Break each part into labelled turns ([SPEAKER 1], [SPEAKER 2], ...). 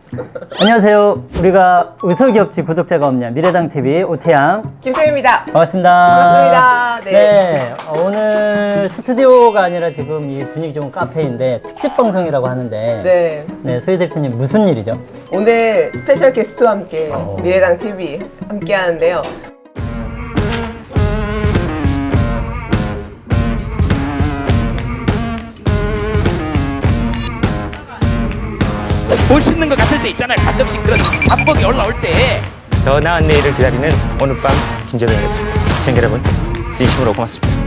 [SPEAKER 1] 안녕하세요. 우리가 의석이없지 구독자가 없냐 미래당TV 오태양
[SPEAKER 2] 김소희입니다.
[SPEAKER 1] 반갑습니다.
[SPEAKER 2] 반갑습니다. 네.
[SPEAKER 1] 오늘 스튜디오가 아니라 지금 이 분위기 좋은 카페인데 특집 방송이라고 하는데
[SPEAKER 2] 네.
[SPEAKER 1] 소희 대표님 무슨 일이죠?
[SPEAKER 2] 오늘 스페셜 게스트와 함께 미래당 TV 함께 하는데요.
[SPEAKER 3] 볼 수 있는 것 같을 때 있잖아요. 가끔씩 그런 압박이 올라올 때. 더 나은 내일을 기다리는 오늘 밤 김재동이었습니다. 시청자 여러분, 진심으로 고맙습니다.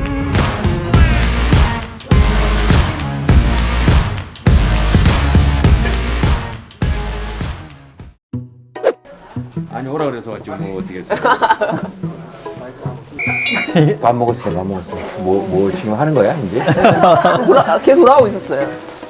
[SPEAKER 4] 아니 오라 그래서 왔지 뭐 어떻게 했어? 밥 먹었어요. 밥 먹었어요. 뭐 지금 하는 거야 이제?
[SPEAKER 2] 계속 돌아오고 있었어요.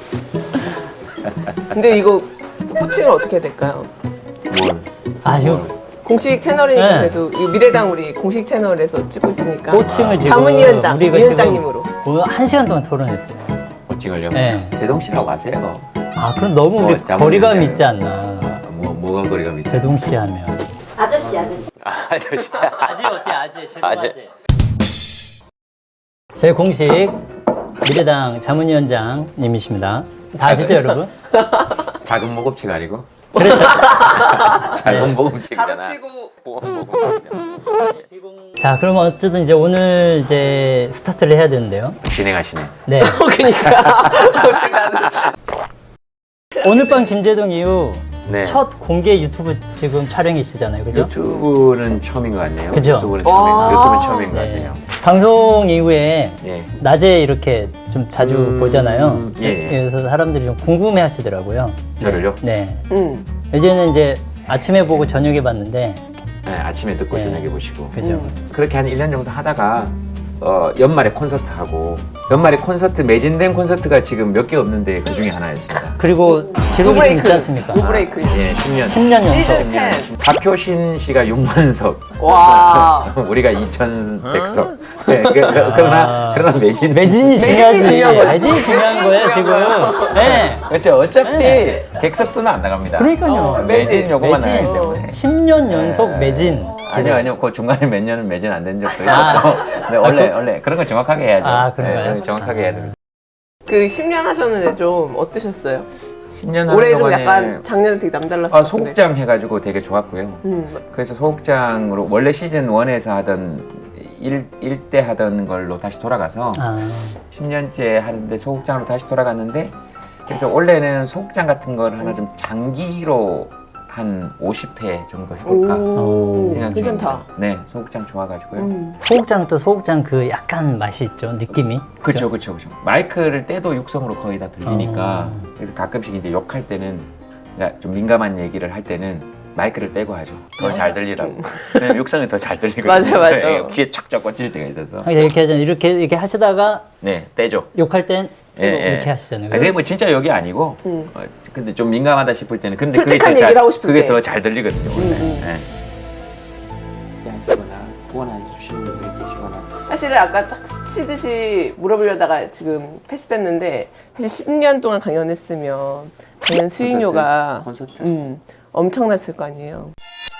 [SPEAKER 2] 근데 이거 호칭을 어떻게 해야 될까요?
[SPEAKER 4] 뭘?
[SPEAKER 1] 아주
[SPEAKER 2] 공식 채널이니까
[SPEAKER 1] 네.
[SPEAKER 2] 그래도 이 미래당 우리 공식 채널에서 찍고 있으니까
[SPEAKER 1] 호칭을 지금
[SPEAKER 2] 자문위원장,
[SPEAKER 1] 우리가
[SPEAKER 2] 위원장님으로.
[SPEAKER 1] 지금 1시간 동안 토론했어요.
[SPEAKER 4] 호칭을요?
[SPEAKER 1] 네.
[SPEAKER 4] 제동 씨라고 하세요.
[SPEAKER 1] 아 그럼 너무 우리
[SPEAKER 4] 자문위원장.
[SPEAKER 1] 거리감 있지 않나?
[SPEAKER 4] 뭐가 거리감 있어요?
[SPEAKER 1] 제동 씨 하면
[SPEAKER 4] 아저씨.
[SPEAKER 1] 아재 어때 아재 제동
[SPEAKER 4] 아재.
[SPEAKER 1] 아재. 저희 공식 미래당 자문위원장님이십니다. 다 아시죠 여러분?
[SPEAKER 4] 작은 모금치가 아니고
[SPEAKER 1] 그래서
[SPEAKER 4] 작은 모금치잖아.
[SPEAKER 2] 가르치고
[SPEAKER 1] 자 그럼 어쨌든 이제 오늘 이제 스타트를 해야 되는데요.
[SPEAKER 4] 진행하시네.
[SPEAKER 1] 네.
[SPEAKER 2] 그러니까
[SPEAKER 1] 오늘 밤 김재동 이후
[SPEAKER 4] 네.
[SPEAKER 1] 첫 공개 유튜브 지금 촬영이시잖아요, 그죠?
[SPEAKER 4] 유튜브는 처음인 것 같네요.
[SPEAKER 1] 그죠?
[SPEAKER 4] 유튜브는
[SPEAKER 2] 와.
[SPEAKER 4] 처음인 것
[SPEAKER 1] 네.
[SPEAKER 4] 같네요.
[SPEAKER 1] 방송 이후에
[SPEAKER 4] 예.
[SPEAKER 1] 낮에 이렇게 좀 자주 보잖아요.
[SPEAKER 4] 예.
[SPEAKER 1] 그래서 사람들이 좀 궁금해 하시더라고요.
[SPEAKER 4] 저를요?
[SPEAKER 1] 네.
[SPEAKER 2] 응.
[SPEAKER 1] 이제 아침에 보고 저녁에 봤는데,
[SPEAKER 4] 네, 아침에 듣고
[SPEAKER 1] 네.
[SPEAKER 4] 저녁에 보시고.
[SPEAKER 1] 그죠?
[SPEAKER 4] 그렇게 한 1년 정도 하다가 연말에 콘서트 하고 연말에 콘서트 매진된 콘서트가 지금 몇 개 없는데 그 중에 하나였습니다.
[SPEAKER 1] 그리고 기록이 좀 있지 않습니까?
[SPEAKER 2] 노브레이크.
[SPEAKER 4] 예, 10년.
[SPEAKER 1] 10년 연속.
[SPEAKER 2] 시즌 10.
[SPEAKER 4] 박효신 씨가 6만석,
[SPEAKER 2] 와.
[SPEAKER 4] 우리가 2,100석. 네, 그러나 매진.
[SPEAKER 1] 매진이 중요하지.
[SPEAKER 2] 중요한 거지.
[SPEAKER 1] 매진이 중요한 거예요, 지금. 네.
[SPEAKER 4] 그렇죠. 어차피
[SPEAKER 1] 네.
[SPEAKER 4] 객석 수는 안 나갑니다.
[SPEAKER 1] 그러니까요.
[SPEAKER 4] 매진 요거만 나가기
[SPEAKER 1] 매진.
[SPEAKER 4] 때문에.
[SPEAKER 1] 10년 연속
[SPEAKER 4] 네.
[SPEAKER 1] 매진.
[SPEAKER 4] 아니요. 그 중간에 몇 년은 매진 안 된 적도
[SPEAKER 1] 아.
[SPEAKER 4] 있었고. 네, 원래 그런 거 정확하게 해야죠.
[SPEAKER 1] 아, 그런가요?
[SPEAKER 4] 네, 정확하게 해야 됩니다.
[SPEAKER 2] 그 10년 하셨는데 좀 어떠셨어요?
[SPEAKER 4] 10년
[SPEAKER 2] 올해
[SPEAKER 4] 하는
[SPEAKER 2] 좀
[SPEAKER 4] 동안에
[SPEAKER 2] 약간 작년에 되게 남달랐어요.
[SPEAKER 4] 소극장 해가지고 되게 좋았고요. 그래서 소극장으로 원래 시즌 1에서 하던 1대 하던 걸로 다시 돌아가서
[SPEAKER 1] 아,
[SPEAKER 4] 10년째 하는데 소극장으로 다시 돌아갔는데 그래서 원래는 소극장 같은 걸 하나 좀 장기로 한 50회 정도 해볼까
[SPEAKER 2] 오,
[SPEAKER 4] 생각
[SPEAKER 2] 괜찮다.
[SPEAKER 4] 중입니다. 네, 소극장 좋아가지고요.
[SPEAKER 1] 소극장 또 소극장 그 약간 맛이 있죠, 느낌이.
[SPEAKER 4] 그렇죠. 마이크를 떼도 육성으로 거의 다 들리니까
[SPEAKER 1] 어.
[SPEAKER 4] 그래서 가끔씩 이제 욕할 때는 그러니까 좀 민감한 얘기를 할 때는 마이크를 떼고 하죠. 더 잘 들리라고. 왜냐면 육성이 더 잘 들리거든요.
[SPEAKER 2] 맞아.
[SPEAKER 4] 네, 귀에 착착 꽂힐 때가 있어서.
[SPEAKER 1] 아니, 이렇게 하잖아요. 이렇게 하시다가
[SPEAKER 4] 네, 떼죠.
[SPEAKER 1] 욕할 땐
[SPEAKER 4] 예,
[SPEAKER 1] 이렇게 하시잖아요.
[SPEAKER 4] 그게 뭐 진짜 욕이 아니고, 근데 좀 민감하다 싶을 때는 근데
[SPEAKER 2] 솔직한
[SPEAKER 4] 그게 더
[SPEAKER 2] 얘기를 하고 싶을
[SPEAKER 4] 그게
[SPEAKER 2] 때.
[SPEAKER 4] 더 잘 들리거든요. 원래. 네. 하시거나 후원해 주시는 분들이 계시거나.
[SPEAKER 2] 사실은 아까 딱 스치듯이 물어보려다가 지금 패스됐는데 사실 10년 동안 강연했으면 강연 수익료가
[SPEAKER 4] 콘서트?
[SPEAKER 2] 엄청났을 거 아니에요.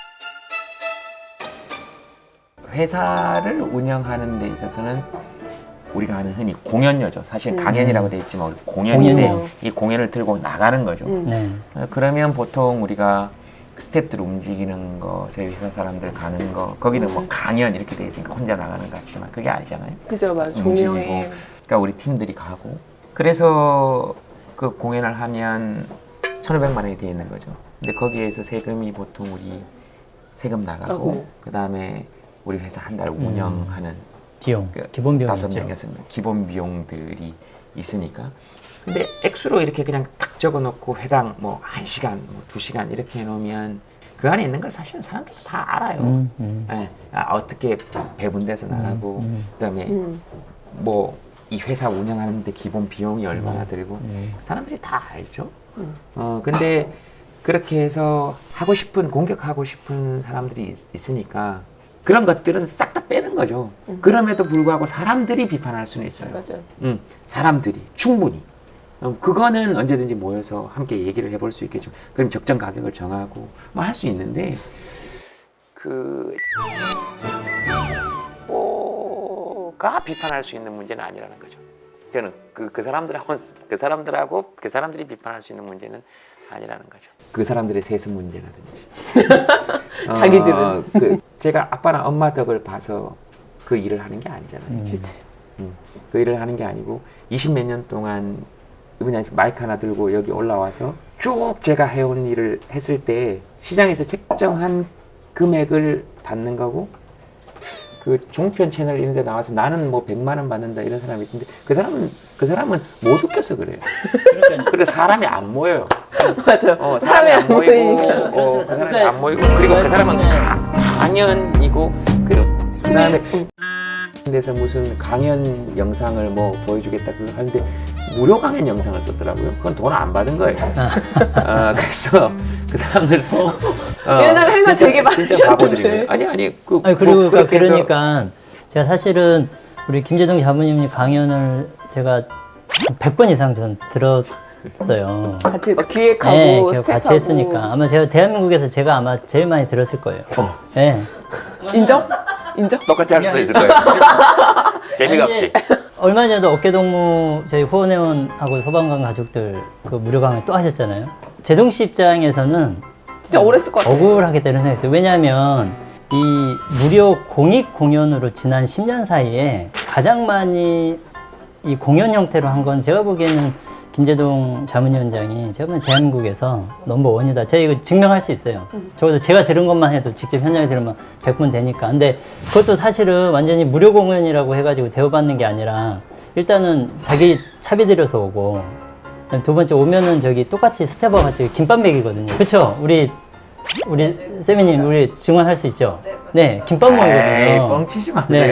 [SPEAKER 4] 회사를 운영하는 데 있어서는 우리가 하는 흔히 공연료죠. 사실 강연이라고 돼 있지만 우리 공연인데
[SPEAKER 1] 공연료.
[SPEAKER 4] 이 공연을 들고 나가는 거죠.
[SPEAKER 1] 네.
[SPEAKER 4] 그러면 보통 우리가 스태프들 움직이는 거, 저희 회사 사람들 가는 거, 거기는 뭐 강연 이렇게 돼 있으니까 혼자 나가는 것 같지만 그게 아니잖아요.
[SPEAKER 2] 그죠, 맞아.
[SPEAKER 4] 움직이고,
[SPEAKER 2] 종영회.
[SPEAKER 4] 그러니까 우리 팀들이 가고, 그래서 그 공연을 하면 1,500만 원이 돼 있는 거죠. 근데 거기에서 세금이 보통 우리 세금 나가고,
[SPEAKER 2] 아이고.
[SPEAKER 4] 그 다음에 우리 회사 한 달 운영하는
[SPEAKER 1] 비용,
[SPEAKER 4] 그
[SPEAKER 1] 기본 비용이죠.
[SPEAKER 4] 5명, 6명 기본 비용들이 있으니까. 근데 액수로 이렇게 그냥 딱 적어놓고 회당 뭐 1시간, 뭐 2시간 이렇게 해놓으면 그 안에 있는 걸 사실은 사람들이 다 알아요. 예, 어떻게 배분돼서 나가고, 그다음에 뭐 이 회사 운영하는데 기본 비용이 얼마나 들고 사람들이 다 알죠. 근데 그렇게 해서 하고 싶은 공격하고 싶은 사람들이 있으니까 그런 것들은 싹 다 빼는 거죠. 그럼에도 불구하고 사람들이 비판할 수는 있어요.
[SPEAKER 2] 맞아요.
[SPEAKER 4] 사람들이 충분히. 그거는 언제든지 모여서 함께 얘기를 해볼 수 있겠죠. 그럼 적정 가격을 정하고 뭐 할 수 있는데 가 비판할 수 있는 문제는 아니라는 거죠. 저는 그 사람들이 비판할 수 있는 문제는 아니라는 거죠. 그 사람들의 세습 문제라든지.
[SPEAKER 2] 자기들은.
[SPEAKER 4] 제가 아빠나 엄마 덕을 봐서 그 일을 하는 게 아니잖아요.
[SPEAKER 2] 그렇지.
[SPEAKER 4] 그 일을 하는 게 아니고 20몇 년 동안 이 분야에서 마이크 하나 들고 여기 올라와서 쭉 제가 해온 일을 했을 때 시장에서 책정한 금액을 받는 거고 그 종편 채널 이런 데 나와서 나는 뭐 100만 원 받는다 이런 사람이 있는데 그 사람은 못 웃겨서 그래요. 그리고 사람이 안 모여요.
[SPEAKER 2] 맞아.
[SPEAKER 4] 사람이 안 모이고
[SPEAKER 2] 모이니까.
[SPEAKER 4] 그 사람이 안 모이고 그리고 그 사람은 강연이고 그리고 그다음에 데서 무슨 강연 영상을 뭐 보여주겠다 그거 하는데 무료 강연 영상을 썼더라고요. 그건 돈 안 받은 거예요. 그래서 그 사람들도
[SPEAKER 2] 옛날에 할 말 되게
[SPEAKER 4] 진짜 바보들인
[SPEAKER 2] 많으셨는데.
[SPEAKER 4] 거예요. 아니
[SPEAKER 1] 아니 그리고
[SPEAKER 4] 뭐 그렇게 해서
[SPEAKER 1] 그러니까 제가 사실은 우리 김재동 자문님 강연을 제가 100번 이상 전 들었어요.
[SPEAKER 2] 같이 막 기획하고
[SPEAKER 1] 네,
[SPEAKER 2] 스텝하고.
[SPEAKER 1] 같이 했으니까 아마 제가 대한민국에서 제가 아마 제일 많이 들었을 거예요. 네.
[SPEAKER 2] 인정? 인정?
[SPEAKER 4] 똑같이 할 수도 있을 거예요. 재미가
[SPEAKER 1] 아니,
[SPEAKER 4] 없지.
[SPEAKER 1] 얼마 전에도 어깨동무 저희 후원회원하고 소방관 가족들 그 무료 강연 또 하셨잖아요. 제동 씨 입장에서는
[SPEAKER 2] 진짜 오래 쓸 것 같아.
[SPEAKER 1] 억울하겠다는 생각이 들어요. 왜냐하면 이 무료 공익 공연으로 지난 10년 사이에 가장 많이 이 공연 형태로 한 건 제가 보기에는 김재동 자문위원장이 제가 보기엔 대한민국에서 넘버원이다. 제가 이거 증명할 수 있어요. 적어도 제가 들은 것만 해도 직접 현장에 들으면 100분 되니까. 근데 그것도 사실은 완전히 무료 공연이라고 해가지고 대우받는 게 아니라 일단은 자기 차비 들여서 오고 두 번째 오면은 저기 똑같이 스텝업 같이 김밥 먹이거든요. 그렇죠? 우리 세미님 우리 증언할 수 있죠? 네, 김밥
[SPEAKER 4] 에이,
[SPEAKER 1] 먹이거든요.
[SPEAKER 4] 뻥치지 마세요.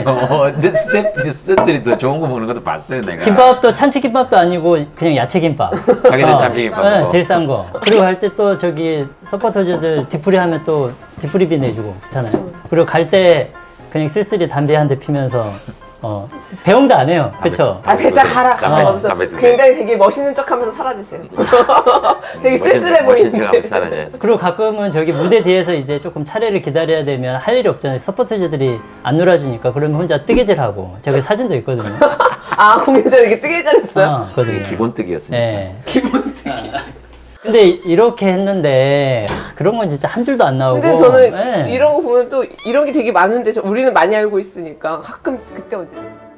[SPEAKER 4] 스태프들이 더 좋은 거 먹는 것도 봤어요, 내가.
[SPEAKER 1] 김밥도 찬치김밥도 아니고 그냥 야채김밥.
[SPEAKER 4] 자기들 참치김밥
[SPEAKER 1] 네,
[SPEAKER 4] 먹어.
[SPEAKER 1] 제일 싼 거. 그리고 할 때 또 저기 서포터즈들 디프리 하면 또 디프리비 내주고 그렇잖아요. 그리고 갈 때 그냥 쓸쓸히 담배 한 대 피면서 배웅도 안 해요. 그렇죠?
[SPEAKER 2] 아, 대짜 가라. 하면서
[SPEAKER 4] 담배 두 대.
[SPEAKER 2] 굉장히 되게 멋있는 척 하면서 사라지세요. 되게 쓸쓸해
[SPEAKER 4] 멋진 척
[SPEAKER 2] 보이는데.
[SPEAKER 4] 하면서 살아야지.
[SPEAKER 1] 그리고 가끔은 저기 무대 뒤에서 이제 조금 차례를 기다려야 되면 할 일이 없잖아요. 서포터즈들이 안 놀아주니까 그러면 혼자 뜨개질하고 제가 사진도 있거든요.
[SPEAKER 2] 아, 공연 전에 이렇게 뜨개질했어요?
[SPEAKER 1] 그거든요.
[SPEAKER 4] 기본뜨기였으니까.
[SPEAKER 1] 네.
[SPEAKER 2] 기본뜨기.
[SPEAKER 1] 근데 이렇게 했는데 그런 건 진짜 한 줄도 안 나오고.
[SPEAKER 2] 근데 저는
[SPEAKER 1] 네.
[SPEAKER 2] 이런 거 보면 또 이런 게 되게 많은데 우리는 많이 알고 있으니까 가끔 그때 언제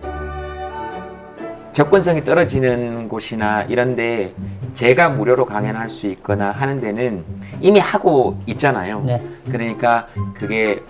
[SPEAKER 4] 접근성이 떨어지는 곳이나 이런데 제가 무료로 강연할 수 있거나 하는 데는 이미 하고 있잖아요.
[SPEAKER 1] 네.
[SPEAKER 4] 그러니까 그게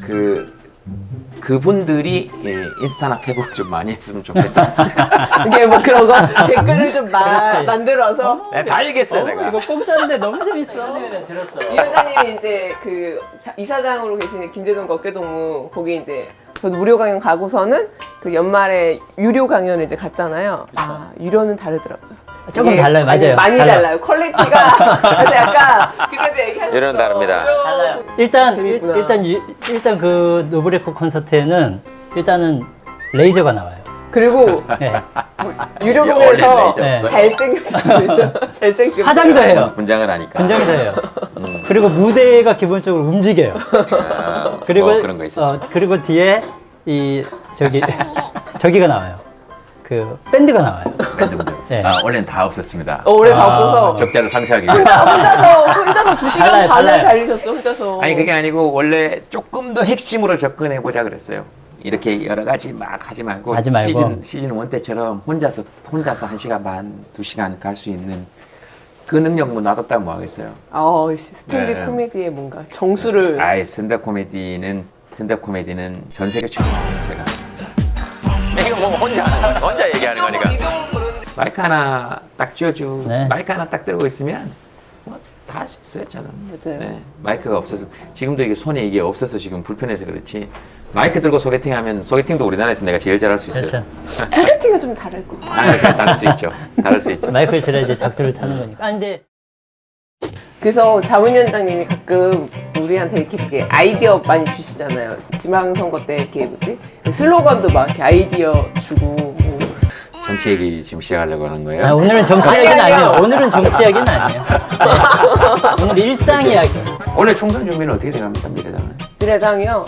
[SPEAKER 4] 그분들이 인스타나 페북 좀 많이 했으면 좋겠다.
[SPEAKER 2] 이게 뭐 그런 거 댓글을 좀 만들어서
[SPEAKER 4] 내가 다 얘기했어요, 내가.
[SPEAKER 1] 이거 공짜인데 너무 재밌어. 들었어.
[SPEAKER 2] 이 여자님이 이제 그 이사장으로 계시는 김재동 어깨동무 거기 이제 저도 무료 강연 가고서는 그 연말에 유료 강연을 이제 갔잖아요. 아, 유료는 다르더라고요.
[SPEAKER 1] 조금
[SPEAKER 2] 이게
[SPEAKER 1] 달라요, 맞아요.
[SPEAKER 2] 많이
[SPEAKER 1] 달라요.
[SPEAKER 2] 달라요. 퀄리티가 그래서 약간 그때도 얘기하셨어.
[SPEAKER 4] 유료는 다릅니다.
[SPEAKER 1] 달라요. 일단
[SPEAKER 2] 재밌구나.
[SPEAKER 1] 일단 그 노브레코 콘서트에는 일단은 레이저가 나와요.
[SPEAKER 2] 그리고
[SPEAKER 1] 네.
[SPEAKER 2] 유료
[SPEAKER 4] 원래
[SPEAKER 2] 공연에서
[SPEAKER 4] 레이저
[SPEAKER 1] 네.
[SPEAKER 4] 없어요.
[SPEAKER 2] 잘생겼습니다. 잘생겼어요.
[SPEAKER 1] 화장도 해요.
[SPEAKER 4] 분장을 하니까.
[SPEAKER 1] 분장도 해요. 그리고 무대가 기본적으로 움직여요. 그리고
[SPEAKER 4] 그런 거 있었죠.
[SPEAKER 1] 그리고 뒤에 이 저기가 나와요. 그 밴드가 나와요.
[SPEAKER 4] 밴드분들.
[SPEAKER 1] 네.
[SPEAKER 4] 원래는 다 없었습니다.
[SPEAKER 2] 올해 다 없어서
[SPEAKER 4] 적자를 상쇄하기 위해서.
[SPEAKER 2] 혼자서 2시간
[SPEAKER 1] 달라요,
[SPEAKER 2] 반을
[SPEAKER 1] 달라요.
[SPEAKER 2] 달리셨어 혼자서.
[SPEAKER 4] 아니 그게 아니고 원래 조금 더 핵심으로 접근해 보자 그랬어요. 이렇게 여러 가지 막 하지 말고,
[SPEAKER 1] 하지 말고.
[SPEAKER 4] 시즌 1 때처럼 혼자서 1시간 반, 2시간 갈 수 있는 그 능력 뭐 놔뒀다면 뭐 하겠어요.
[SPEAKER 2] 스탠드
[SPEAKER 4] 네.
[SPEAKER 2] 코미디의 뭔가 정수를
[SPEAKER 4] 아예 스탠드업 코미디는 전 세계 최고예요, 제가. 이거 뭐 혼자 얘기하는 거니까. 마이크 하나 딱 쥐어주고
[SPEAKER 1] 네.
[SPEAKER 4] 마이크 하나 딱 들고 있으면 뭐 다 할 수 있어요, 저는.
[SPEAKER 2] 맞아요.
[SPEAKER 4] 네, 마이크가 없어서 지금도 이게 손에 이게 없어서 지금 불편해서 그렇지. 마이크 들고 소개팅하면 소개팅도 우리나라에서 내가 제일 잘할 수 있어요.
[SPEAKER 1] 그렇죠.
[SPEAKER 2] 소개팅은 좀 다를 거.
[SPEAKER 4] 다를 수 있죠. 다를 수 있죠.
[SPEAKER 1] 마이크를 들어야지 작두를 타는 거니까. 아 근데
[SPEAKER 2] 그래서 자문위원장님이 가끔 우리한테 이렇게 되게 아이디어 많이 주시잖아요. 지방선거 때 이렇게 뭐지? 슬로건도 막 이렇게 아이디어 주고 뭐
[SPEAKER 4] 정치 얘기 지금 시작하려고 하는 거예요?
[SPEAKER 1] 아, 오늘은 정치 이야기는
[SPEAKER 2] 아니에요.
[SPEAKER 1] 아니에요. 오늘은 정치 이야기는 아니에요. 네. 오늘 일상 이야기.
[SPEAKER 4] 오늘 총선 준비는 어떻게 돼갑니까, 미래당은?
[SPEAKER 2] 미래당이요.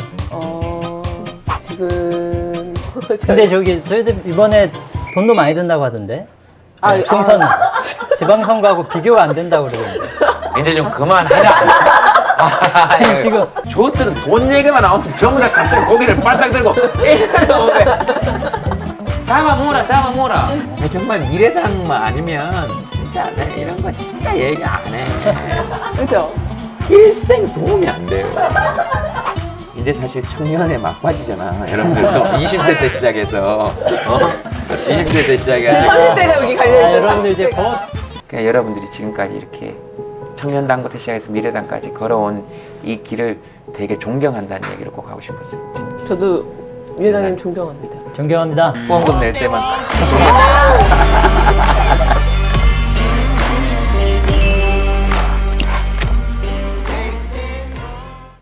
[SPEAKER 2] 지금
[SPEAKER 1] 근데 저기 저희들 이번에 돈도 많이 든다고 하던데.
[SPEAKER 2] 아,
[SPEAKER 1] 네, 총선 지방선거하고 비교가 안 된다고 그러던데.
[SPEAKER 4] 이제 좀 그만하자.
[SPEAKER 1] 아니, 지금
[SPEAKER 4] 저것들은 돈 얘기만 나오면 전부 다 갑자기 고개를 빨딱 들고 잡아 모으라. 정말 미래당만 아니면 진짜 내가 이런 거 진짜 얘기 안 해.
[SPEAKER 2] 그죠?
[SPEAKER 4] 일생 도움이 안 돼요. 이제 사실 청년의 막바지잖아. 여러분들도 20대 때 시작해서 20대 때
[SPEAKER 2] 제
[SPEAKER 4] 시작해서
[SPEAKER 2] 30대가 여기 갈려있어요.
[SPEAKER 1] 여러분들 이제
[SPEAKER 2] 30대가.
[SPEAKER 1] 곧
[SPEAKER 4] 그냥 여러분들이 지금까지 이렇게 청년당부터 시작해서 미래당까지 걸어온 이 길을 되게 존경한다는 얘기를 꼭 하고 싶었어요.
[SPEAKER 2] 저도 미래당님 존경합니다.
[SPEAKER 1] 존경합니다.
[SPEAKER 4] 후원금 낼 때만